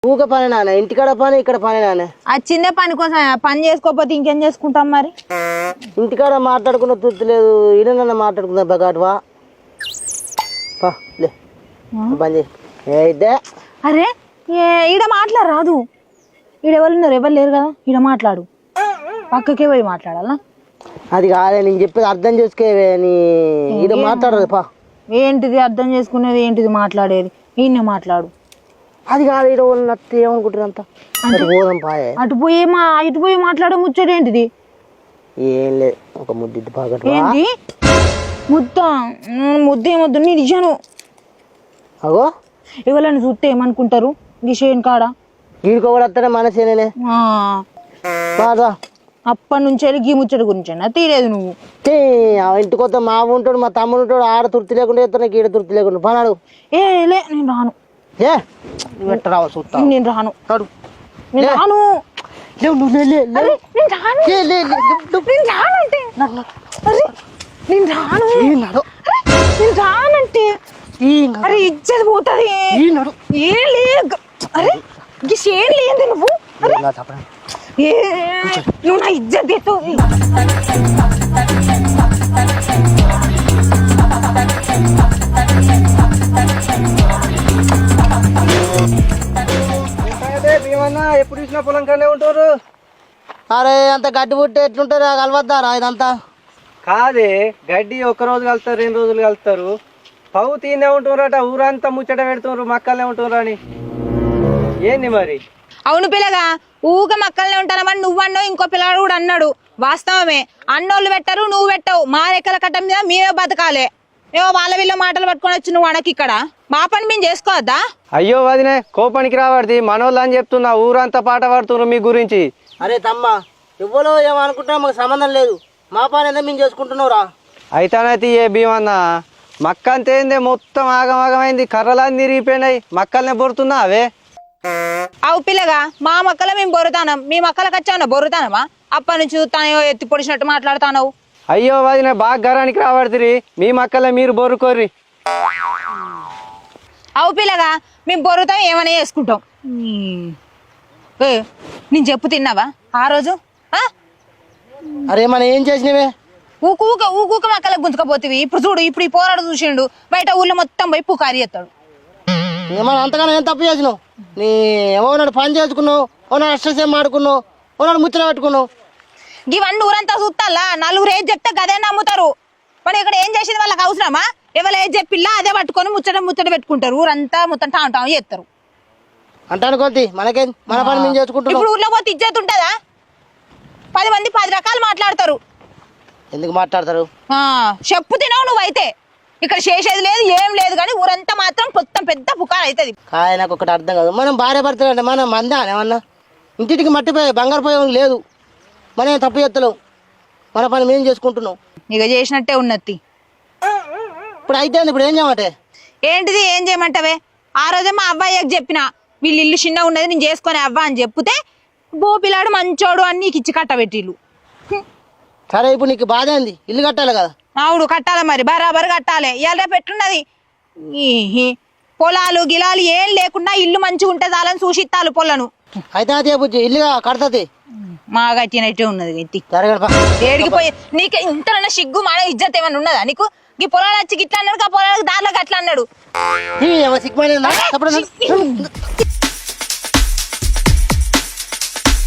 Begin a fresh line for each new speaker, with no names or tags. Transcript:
ఊక పని నాన్న, ఇంటికాడ పని ఇక్కడ పని నాన్న.
ఆ చిన్న పని కోసం పని చేసుకోకపోతే ఇంకేం చేసుకుంటాం మరి?
ఇంటికాడ మాట్లాడుకున్న తృప్తి లేదు, ఈడనన్నా మాట్లాడుకుందా బగాటువా లే పని చేయి.
అరే ఈడ మాట్లాడరాదు, ఈడెవరు ఉన్నారు? ఎవరు లేరు కదా, ఈడ మాట్లాడు. పక్కకే పోయి మాట్లాడాలా?
అది కాదే నేను చెప్పేది అర్థం చేసుకోవే. నీ ఈడ మాట్లాడదు పా.
ఏంటిది అర్థం చేసుకునేది, ఏంటిది మాట్లాడేది? ఈయన మాట్లాడు.
అది కాదు, ఈడ వాళ్ళు నత్తి ఏమనుకుంటారు అంతా. పోదాం పాయే.
ఇటు పోయి మాట్లాడే ముచ్చట ఏంటిది?
ఏం లేదు, ఒక ముద్దు బాగా.
ఏంటి ముద్ద ఏమొద్దు నేను ఇచ్చాను.
అగో
ఎవరైనా చూస్తే ఏమనుకుంటారు? గిషేన్ కాడ
వీడికో కూడా వస్తానే మనసేనే బాగా.
అప్పటి నుంచి గీ ముచ్చట గురించి తీరేదు నువ్వు.
ఇంటికి వద్ద మా ఉంటాడు, మా తమ్ముడు ఉంటాడు. ఆడ తృప్తి లేకుండా చేస్తాను, ఈడ తృప్తి లేకుండా పనాడు.
లే నేను రాను.
రావు చూస్తా,
నేను రాను. నేను రాను. రానంటే అరే ఇచ్చేది పోతుంది. ఏం లేదు. అరే ఏం లేదు నువ్వు. నువ్వు నా ఇజ్జత్ తీస్తావు.
ఎప్పుడు చూసినా పొలం కనే ఉంటారు.
అరే అంత గడ్డి పుట్టి ఎట్లుంటారు కలవద్దారా ఇదంతా?
కాదే గడ్డి ఒక్క రోజు కలుస్తారు, 2 రోజులు కలుస్తారు. పవు తీనే ఉంటున్నారట, ఊరంతా ముచ్చట పెడుతున్నారు మక్కలనే ఉంటున్నారు అని. ఏంది మరి?
అవును పిల్లగా, ఊక మక్కలనే ఉంటారమని నువ్వు అన్నావు, ఇంకో పిల్లగాడు కూడా అన్నాడు. వాస్తవమే, అన్నోళ్ళు పెట్టరు, నువ్వు పెట్టవు. మా రెక్కల కట్ట మీద మేమే బతకాలే. ఏవో వాళ్ళ వీళ్ళ మాటలు పట్టుకొని వచ్చి నువ్వు అనకి ఇక్కడ మా పని మేము చేసుకోవద్దా?
అయ్యో వదినే, కోపానికి రావద్ది. మనోళ్ళు అని చెప్తున్నా, ఊరంతా పాట పాడుతున్నారు మీ గురించి.
అరే తమ్మ, ఎవ్వరో ఏమనుకుంటున్నా మాకు సంబంధం లేదు. మా పని ఎంత మేము చేసుకుంటున్నావురా.
అయితేనైతే ఏ భీమన్న మక్క అంతేందే, మొత్తం ఆగమాగమైంది. కర్రలన్నీ తిరిగిపోయినాయి, మక్కలనే బొరుతున్నా అవే.
అవు పిల్లగా, మా మక్కల మేము బొరుతానం, మీ మక్కలకు వచ్చావు బొరుతానమా? అప్పటి నుంచి చూస్తానో ఎత్తి పొడిచినట్టు మాట్లాడుతావు.
అయ్యో వదిన, బాగా గరానికి రావడుతుంది. మీ మక్కలే మీరు బొరుకోర్రి.
అవు పిల్లగా, మేము బొరుతాం, ఏమైనా చేసుకుంటాం. నేను చెప్పు తిన్నావా ఆ రోజు?
అరే మనం ఏం చేసినవే?
ఊకూక మక్కలకు గుంజుకపోతేవి. ఇప్పుడు చూడు, ఇప్పుడు ఈ పోరాడు చూసిండు, బయట ఊళ్ళో మొత్తం పోయి పుకారి ఎత్తాడు.
ఏమన్నా అంతగానో ఏం తప్పు చేసినావు? నీ ఏమన్నాడు పని చేసుకున్నావు, ఓనాడు అష్టసేం ఆడుకున్నావు, ఓనాడు ముచ్చట పెట్టుకున్నావు.
ఇవన్నీ ఊరంతా చూస్తాలా, నలుగురు ఏది చెప్తే గదే నమ్ముతారు. మరి ఇక్కడ ఏం చేసింది వాళ్ళకి అవసరమా? ఎవరు ఏది చెప్పిల్లా అదే పట్టుకొని ముచ్చట పెట్టుకుంటారు. ఊరంతా మొత్తం టాం చేస్తారు.
అంటాను కొద్ది మనకేం, మన పని మేము చేసుకుంటున్నాం.
ఇప్పుడు ఊర్లో పోతే ఇజ్జత్ ఉంటుందా? 10 మంది 10 రకాలు మాట్లాడతారు.
ఎందుకు మాట్లాడతారు?
చెప్పు తినవు నువ్వైతే. ఇక్కడ చేసేది లేదు, ఏం లేదు, కానీ ఊరంతా మాత్రం మొత్తం పెద్ద పుకారు అవుతుంది.
కాయ నాకు ఒకటి అర్థం కాదు. మనం భార్య భర్తలు అంటే మనం మందా ఏమన్నా? ఇంటికి మట్టిపోయి బంగారు పోయి లేదు, మనం తప్పు చేస్తలేం. మన పని మేము చేసుకుంటున్నాం.
ఇక చేసినట్టే ఉన్నది.
ఇప్పుడు అయితే ఇప్పుడు ఏం చేయమంటే?
ఏంటిది ఏం చేయమంటావే? ఆ రోజే మా అబ్బాయికి చెప్పిన, వీళ్ళు ఇల్లు చిన్న ఉన్నది నేను చేసుకునే అవ్వ అని చెప్తే, బో పిల్లాడు మంచోడు అని నీకు ఇచ్చి కట్టబెట్టిల్లు.
సరే ఇప్పుడు నీకు బాధ ఏంది? ఇల్లు కట్టాలి కదా.
అవును కట్టాలి, మరి బరాబర్ కట్టాలి. ఇలా పెట్టున్నది పొలాలు గిలాలు ఏం లేకుండా ఇల్లు మంచిగా ఉంటే చాలని సూచిత్తాలు పొలను.
అయితే అదే బుజ్జి ఇల్లుగా కడతది.
మా గట్టినట్టే ఉన్నది. ఎత్తి
జరగడపా
ఏడికిపోయి నీకు ఇంతనన్నా సిగ్గు మన ఇజ్జత్ ఏమన్నా ఉన్నదా నీకు? ఈ పొలాలు వచ్చి గిట్లా అన్నాడు, ఆ పొలాలకు దారిలోకి అట్లా అన్నాడు.
సిగ్గు